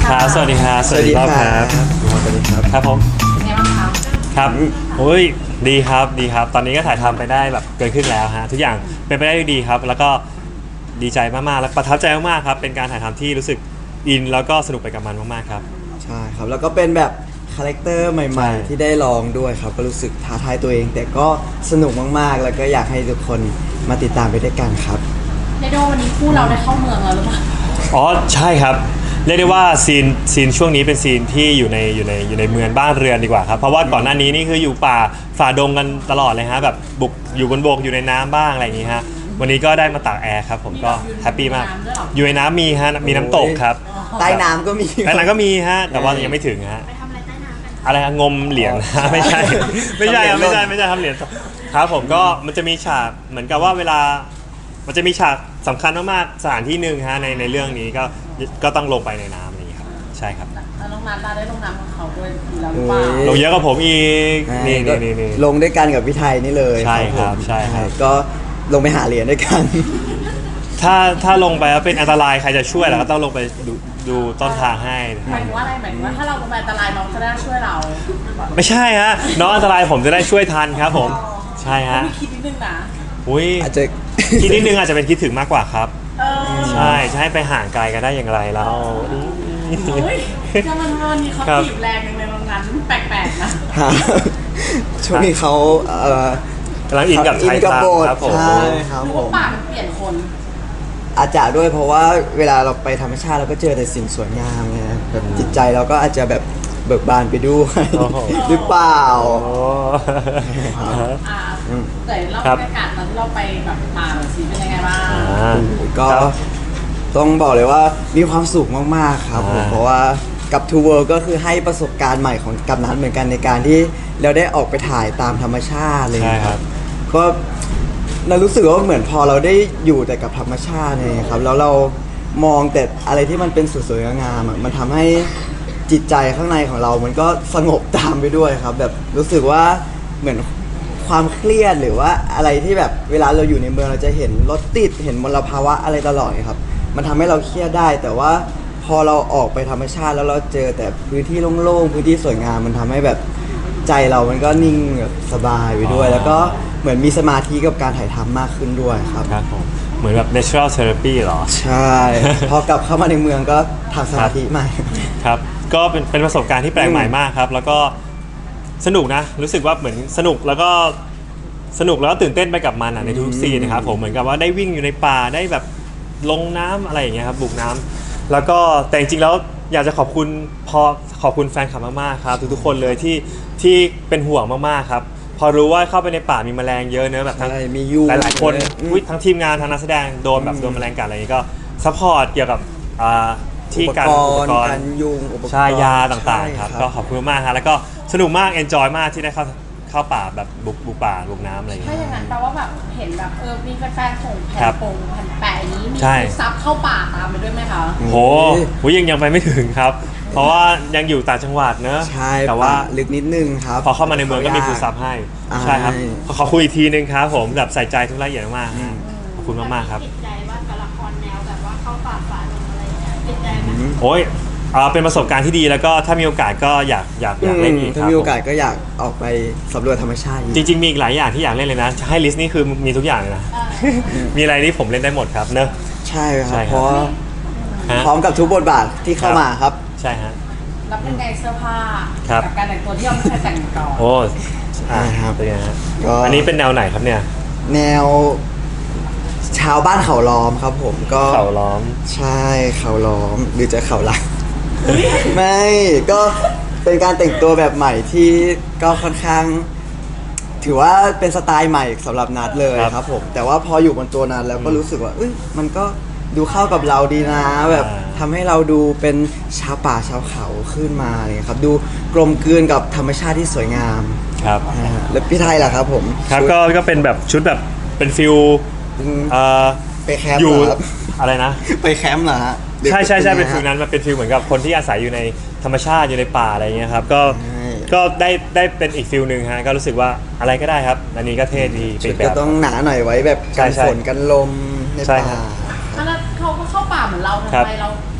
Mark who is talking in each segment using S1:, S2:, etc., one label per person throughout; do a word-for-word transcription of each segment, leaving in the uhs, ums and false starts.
S1: ครับสวัสดีครับสวัสดีครับครับสวัสดีครับครับผม
S2: เป็นไงบ้างคะ
S1: ครับโอ้ยดีครับดีครับตอนนี้ก็ถ่ายทำไปได้แบบเกินครึ่งแล้วฮะทุกอย่างเป็นไปได้ดีครับแล้วก็ดีใจมากๆและประทับใจมากๆครับเป็นการถ่ายทำที่รู้สึกอินแล้วก็สนุกไปกับมันมากๆครับ
S3: ใช่ครับแล้วก็เป็นแบบคาแรคเตอร์ให
S1: ใช่
S3: ม่ๆ ที่ได้ลองด้วยครับก็รู้สึกท้าทายตัวเอง แต่ก็สนุกมากๆ แล้วก็อยากให้ทุกคนมาติดตามไปด้วยกันครับ
S2: เรโดวันนี้คู่เราได้เข้าเมืองแล้วหรือเปล่า
S1: อ๋อใช่ครับเรียกได้ว่าซีนซีนช่วงนี้เป็นซีนที่อยู่ในอยู่ในอยู่ในเมืองบ้านเรือนดีกว่าครับเพราะว่าก่อนหน้านี้นี่คืออยู่ป่าฝ่าดงกันตลอดเลยฮะแบบบุกอยู่บนบกอยู่ในน้ำบ้างอะไรอย่างงี้ฮะวันนี้ก็ได้มาตากแอร์ครับผมก็แฮปปี้มากอยู่ในน้ำมีฮะมีน้ำตกครับ
S3: ใต้น้ำก็มี
S1: ใต้น้ำก็มีฮะแต่ว่ายังไม่ถึงฮะ
S2: ไปทำอะไรใต้น้ำกัน
S1: อะไรฮะงมเหรียญ
S3: อ๋อ
S1: ไม่ใช่ไม่ใช่ครับ
S3: ทำเหรี
S1: ไม่
S3: ยญ
S1: ใช่ไม่ใช่ทำเหรียญครับผมก็มันจะมีฉากเหมือนกับว่าเวลามันจะมีฉากสำคัญมากๆสถานที่หนึ่งฮะในในเรื่องนี้ก็ก็ต้องลงไปในน้ำอะไรอย่างนี้ครับใช่ครับ
S2: แล้วน้องนัทได้ลงน้ำของเขาด้วยอยู่แล้วหรือเปล่า
S1: ลงเยอะกว่าผมอีกนี่
S3: ก็
S1: นี่นี่
S3: ลงด้วยกันกับพี่ไทยนี่เลย
S1: ใช่ครับ
S3: ผม
S1: ใช่ครับ
S3: ก็ลงไปหาเหรียญด้วยกัน
S1: ถ้าถ้าลงไปแล้วเป็นอันตรายใครจะช่วยเราก็ต้องลงไปดูดูต้นทางให้
S2: หมายถึงว่าอะไรหมายถึงว่าถ้าเราลงไปอันตรายน้องจะได้ช่วยเรา
S1: ไม่ใช่ฮะน้องอันตรายผมจะได้ช่วยทันครับผมใช่ฮะ
S2: มีคิดนิดนึงนะ
S1: อุ้ย
S3: อาจจะ
S1: คิดนิดนึงอาจจะเป็นคิดถึงมากกว่าครับ
S2: เออ
S1: ใช่จะให้ไปห่างไกลกันได้อย่างไรแล้ว
S2: เฮ้ยจะมันวันนี้เขา
S1: ครับ
S2: ถีบแรงจังเลยน้องนัทแปลกๆนะ
S3: หาช่วงนี้เขาเอ่อก
S1: ำลังอินกับไทย
S3: กั
S1: ทาง
S3: โบสถ์
S1: ครับผม
S3: ใช่ครับ
S2: หรือ
S3: ผ
S2: ว่าม ป่ามันเปลี่ยนคน
S3: อาจจะด้วยเพราะว่าเวลาเราไปธรรมชาติเราก็เจอแต่สิ่งสวยงามไงแบบจิตใจเราก็อาจจะแบบเบิกบานไปด้วย
S1: โอ้โห
S3: หรือเปล่า
S1: โอ้
S2: อ่าแต่เรา
S1: ครับ
S2: บรรยากาศตอนที่เราไปแบบป่าหน่อยสิเป็นยังไงบ้าง
S1: อ่า
S3: ก็
S1: ครับ
S3: ต้องบอกเลยว่ามีความสุขมากๆครับผม
S1: อ่า
S3: เพราะว่ากับ Two World ก็คือให้ประสบการณ์ใหม่ของกับนัทเหมือนกันในการที่เราได้ออกไปถ่ายตามธรรมชาติเลย
S1: ใช่ครับ
S3: ก็เรารู้สึกว่าเหมือนพอเราได้อยู่แต่กับธรรมชาติเนี่ยครับแล้วเรามองแต่อะไรที่มันเป็นสวยๆงามๆอะมันทำให้จิตใจข้างในของเรามันก็สงบตามไปด้วยครับ แบบรู้สึกว่าเหมือนความเครียดหรือว่าอะไรที่แบบเวลาเราอยู่ในเมืองเราจะเห็นรถติดเห็นมลภาวะอะไรตลอดครับ มันทำให้เราเครียดได้ แต่ว่าพอเราออกไปธรรมชาติแล้วเราเจอแต่พื้นที่โล่งๆพื้นที่สวยงามมันทำให้แบบใจเรามันก็นิ่งแบบสบายไปด้วย
S1: อ๋อ
S3: แล้วก็เหมือนมีสมาธิกับการถ่ายทำมากขึ้นด้วยครับ
S1: ครับผมเหมือนแบบ natural therapy เหรอ
S3: ใช่ พอกลับเข้ามาในเมืองก็ทำสมาธิใหม่
S1: ครับก็เป็นเป็นประสบการณ์ที่แปลกใหม่มากครับ แล้วก็สนุกนะ รู้สึกว่าเหมือนสนุกแล้วก็สนุกแล้วก็ตื่นเต้นไปกับมันอ่ะในทุกๆซีนนะครับผมเหมือนกับว่าได้วิ่งอยู่ในป่าได้แบบลงน้ำอะไรอย่างเงี้ยครับบุกน้ำแล้วก็แต่จริงๆแล้วอยากจะขอบคุณพอขอบคุณแฟนคลับมากๆครับทุกๆคนเลยที่ที่เป็นห่วงมากๆครับพอรู้ว่าเข้าไปในป่ามีแมลงเยอะเนอะแบบทั้ง
S3: ใช่มียุง
S1: หลายๆคน
S3: อืม
S1: อุ๊ยทั้งทีมงานทั้งนักแสดงโดนแบบโดนแมลงกัดอะไรอย่างงี้ก็ซัพพอร์ตเกี่ยวกับอ่าที่การอุปกร
S3: การ
S1: ณ์
S3: ยุงอุปกรณ์
S1: ใช่ยาต่างๆ
S3: ใช่
S1: ครับก็ขอบคุณมากครับแล้วก็สนุกมากเอนจอยมากที่ได้เข้าเข้าป่าแบบบุกบุกป่าบุกน้ำอะไรอย่าง
S2: ถ้า
S1: เงี้ย
S2: อย่างนั้นแปลว่าแบบเห็นแบบเออมีแฟนๆส่งแผ่
S1: ครั
S2: น
S1: บ
S2: ปงแผ่นแปะอย่างนี้มี
S1: ใช่
S2: ซับเข้าป่าตามไปด้วยไหมคะ
S1: โหโหยังยังไปไม่ถึงครับ เพราะว่ายังอยู่ต่างจังหวัดเนอะ
S3: ใช่
S1: แต่ว่า
S3: ป่ลึกนิดนึงครับ
S1: พอเข้ามาในเมืองก็มีฟูลซับให้
S3: อ่า
S1: ใช่ครับขอขอคุยอีกทีนึงครับผมแบบใส่ใจทุกรายละเอียดมากๆฮะขอบคุณมากๆครับ
S4: ติดใจว่ากับละครแนวแบบว่าเข้าป่าฝ่าดงอะไรอย่างเงี้ยติดใจไหม
S1: โอ้ยอ่าเป็นประสบการณ์ที่ดีแล้วก็ถ้ามีโอกาสก็อยากอยากอยากเล่นอีกค
S3: ถ้า
S1: รับ
S3: มีโอกาสก็อยากออกไปสำรวจธรรมชาติอีก
S1: จริงๆมีอีกหลายอย่างที่อยากเล่นเลยนะให้ลิสต์นี่คือมีทุกอย่างเลยนะ มีอะไรที่ผมเล่นได้หมดครับเนอะ
S3: ใช่ค
S1: ใช่
S3: รับ
S1: ครับ
S3: เพราะ
S1: ฮะ
S3: พร้อมกับทุกบทบาทที่เข้ามาครับ
S1: ใช่ฮะ
S2: รับเป็นไงเสื้อผ้า
S1: ครับ
S2: กับการแต่งตัวที่เราไม่เคยแต่งมาก่อน
S1: โอ้อ่า
S3: ครับ
S1: เป็นไงฮะ
S3: ก็
S1: อันนี้เป็นแนวไหนครับเนี่ย
S3: แนวชาวบ้านเขาล้อมครับผมก็
S1: เขาล้อม
S3: ใช่เขาล้อมหรือจะเขาหลัก ไม่ก็เป็นการแต่งตัวแบบใหม่ที่ก็ค่อนข้าง ถือว่าเป็นสไตล์ใหม่สำหรับนัดเลย
S1: ครับ
S3: ครับผมแต่ว่าพออยู่บนตัวนัดแล้วก็รู้สึกว่าเอ้ยมันก็ดูเข้ากับเราดีนะแบบ
S1: อ่า
S3: ทำให้เราดูเป็นชาวป่าชาวเขาขึ้นมาเลยครับ ดูกลมกลืนกับธรรมชาติที่สวยงาม
S1: ครับ
S3: นะฮะแล้วพี่ไทยล่ะครับผม
S1: ครับ
S3: ชุด
S1: ก็ก็เป็นแบบชุดแบบเป็นฟิล
S3: อืม
S1: เอ่อ
S3: ไปแคมป์
S1: อยู่
S3: เหรอครับ
S1: อะไรนะ
S3: ไปแคมป์เหรอฮะหรือ
S1: ใช่ใช่ใช่เป็น
S3: ไงฮะ
S1: ฟิลนั้นมันเป็นฟิลเหมือนกับคนที่อาศัยอยู่ในธรรมชาติอยู่ในป่าอะไรเงี้ยครับก็
S3: ใช่
S1: ก็ได้ได้เป็นอีกฟิลหนึ่งฮะก็รู้สึกว่าอะไรก็ได้ครับ อันนี้ก็เท่ดีเป็
S3: ชุ
S1: น
S3: ด
S1: แบ
S3: ก็
S1: บ
S3: ต้องหนาหน่อยไว้แบบ
S1: ใช่
S3: กัน
S1: ใช่
S3: ฝนกันลมใน
S1: ใช่
S3: ป่า
S1: ครับ
S2: แล้วเขาก็เข้าป่าเหมือนเรา
S1: ครั
S2: ทำ
S1: บ
S2: ไมเรา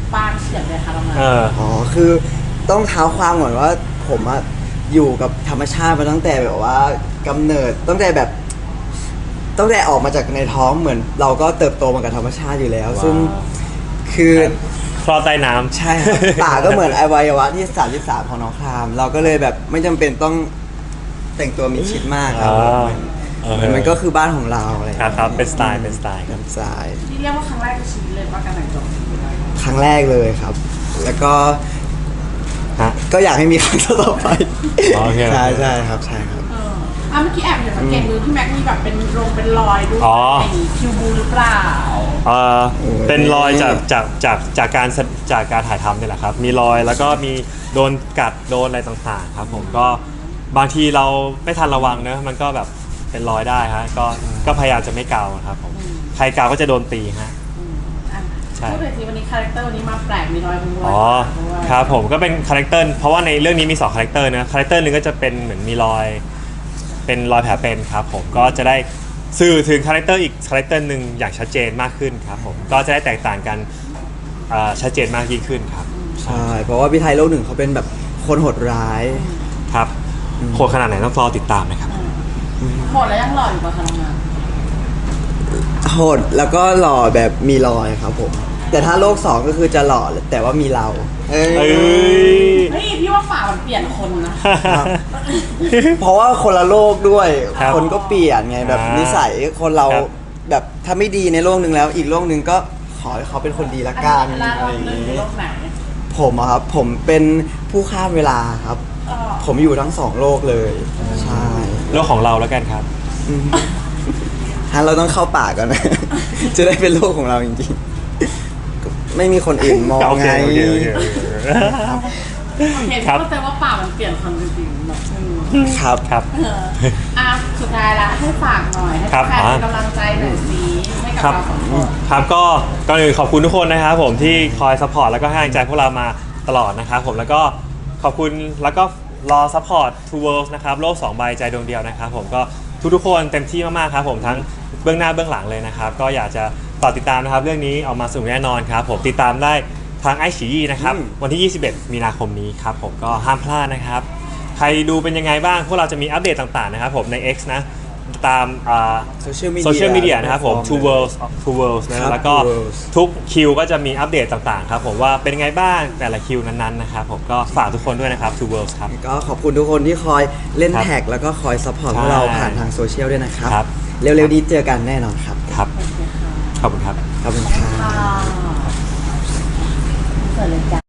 S2: ปางเฉียบเลยค่ะเรามา
S1: เออ
S3: อ๋อคือต้องเท้าความก่อนว่าผมอะอยู่กับธรรมชาติมาตั้งแต่แบบว่ากำเนิดตั้งแต่แบบตั้งแต่ออกมาจากในท้องเหมือน เราก็เติบโตมากับธรรมชาติอยู่แล้ว
S1: ว้าว
S3: ซึ่งคือ
S1: คลอใต้น้ำ
S3: ใช่ครับ ป่าก็เหมือนอวัยวะที่สามสิบสามของน้องคราม เราก็เลยแบบไม่จำเป็นต้องแต่งตัวมิดชิดมากครับ
S1: อ่า
S3: เหมือนมันก็คือบ้านของเราอะไรอย่าง
S1: ครั
S3: เงี้
S1: บ
S3: ย
S1: ครับเป็นสไตล์เป็นสไตล์ค
S3: ค
S1: รั
S3: รับ บสาย
S2: ที่เรียกว่าครั้งแรกในชีวิตเลยว่าการแต่งตัว
S3: ครั้งแรกเลยครับ แล้วก็
S1: ฮะ
S3: ก็อยากให้มีครั้งต่อไป
S1: อ๋อโอเค
S3: ใช่ใช่ครับใช่ครับ
S2: เอออ่ะเมื่อกี้แอบเห็นสังเกตมือพี่แม็กมีแบบเป็นรงเป็นรอยด้วย
S1: อ๋อ
S2: ในคิวบูหรือเปล่า
S1: เอ่อ
S3: โอ้ย
S1: เป็นรอยจากจากจากจากการแสจากการถ่ายทำเนี่ยแหละครับ มีรอยแล้วก็มีโดนกัดโดนอะไรต่างๆครับผมก็บางทีเราไม่ทันระวังเนอะมันก็แบบเป็นรอยได้ฮะก็ก็พยายามจะไม่เกาครับผมใครเกาก็จะโดนตีฮะ
S2: อืมอ่ะ
S1: ใช่
S2: พูดเลยสิวันนี้คาแรคเตอร์วันนี้มาแปลกมีรอยเป็นรอย
S1: อ๋อ
S2: ด้วย
S1: ครับผมก็เป็นคาแรคเตอร์เพราะว่าในเรื่องนี้มีสองคาแรคเตอร์นะคาแรคเตอร์หนึ่งก็จะเป็นเหมือนมีรอยเป็นรอยแผลเป็นครับผมก็จะได้สื่อถึงคาแรคเตอร์อีกคาแรคเตอร์หนึ่งอย่างชัดเจนมากขึ้นครับผมก็จะได้แตกต่างกันอ่าชัดเจนมากยิ่งขึ้นครับ
S3: ใช่เพราะว่าพี่ไทยโลกหนึ่งเขาเป็นแบบคนโหดร้าย
S1: ครับโหดขนาดไหนต้องรอติดตามนะครับ
S2: หมดแล้วยังหล่ออยู่ป่ะคะน้องมา
S3: โหดแล้วก็หล่อแบบมีรอยครับผม แต่ถ้าโลกสองก็คือจะหล่อแต่ว่ามีเราเอ้ย
S1: เอ้ย
S2: เฮ้ยพี่ว่าป่ามันเปลี่ยนคนนะ
S3: ครับ เพราะว่าคนละโลกด้วย
S1: ครับ
S3: คนก็เปลี่ยนไงแบบ
S1: อ่านิ
S3: นิสัยคนเรา
S1: ครับ
S3: แบบถ้าไม่ดีในโลกหนึ่งแล้ว อีกโลกหนึ่งก็ขอให้เขาเป็นคนดีละกัน
S2: อันนี้
S3: อะ
S2: เรา
S3: ไรอย่าง
S2: เรื่องใน
S3: นี้
S2: โลกไหน
S3: ผมอะครับผมเป็นผู้ข้ามเวลาครับ
S2: เออ
S3: ผมอยู่ทั้งสองโลกเลย ใช่
S1: โลกของเราแล้วกันครับ
S3: ฮันเราต้องเข้าป่าก่อนนะ จะได้เป็นโลกของเราจริงๆก็ไม่มีคนอื่นมอง
S1: โอเค
S3: ไง
S1: โอเคโอเคโอเค
S2: โอเค
S1: ครับ
S2: เข้าใจว่าป่ามันเปลี่ยนคนจริงๆแบบอืม
S3: ครับ
S1: ครับ
S2: เอออ่ะสุดท้ายละให้ฝากหน่อยให้
S1: ครับ
S2: แฟน
S1: อ่า
S2: เป็นกำลังใจหน่อยสิให้กับ
S1: ครับ
S2: เราสองคน
S1: ครับก็ก่อนอื่นขอบคุณทุกคนนะครับผมที่คอยซัพพอร์ตแล้วก็ให้กำลังใจพวกเรามาตลอดนะครับผมแล้วก็ขอบคุณแล้วก็รอซัพพอร์ต Two Worlds นะครับโลกสองใบใจดวงเดียวนะครับผมก็ทุกๆคนเต็มที่มากๆครับผมทั้งเบื้องหน้าเบื้องหลังเลยนะครับก็อยากจะต่อติดตามนะครับเรื่องนี้ออกมาสนุกแน่นอนครับผมติดตามได้ทางไอฉี่นะครับ
S3: อืม
S1: วันที่ ยี่สิบเอ็ด มีนาคมนี้ครับผมก็ห้ามพลาดนะครับ ใครดูเป็นยังไงบ้าง พวกเราจะมีอัปเดตต่างๆนะครับผมใน X นะ ตามอ่า
S3: Social media
S1: โซเชียลมีเดียนะครับผม Two Worlds Two Worlds
S3: ครั
S1: นะ
S3: บ
S1: แล้วก็
S3: Two Worlds
S1: ทุกคิวก็จะมีอัปเดตต่างๆครับผมว่าเป็นยังไงบ้างแต่ละคิวนั้นๆนะครับผมก็ฝากทุกคนด้วยนะครับ Two Worlds ครับ
S3: ก็ขอบคุณทุกคนที่คอยเล่น
S1: ครับ
S3: แท็กแล้วก็คอยซัพพอร์ตพวกเราผ่านทางโซเชียลด้วยนะครับ
S1: ครับ
S3: เร็วๆนี้เจอกันแน่นอนครับ
S1: ครับ ขอบคุณครับ
S3: ขอบคุณครับ
S2: ค่ะเปิดเลยจ้ะ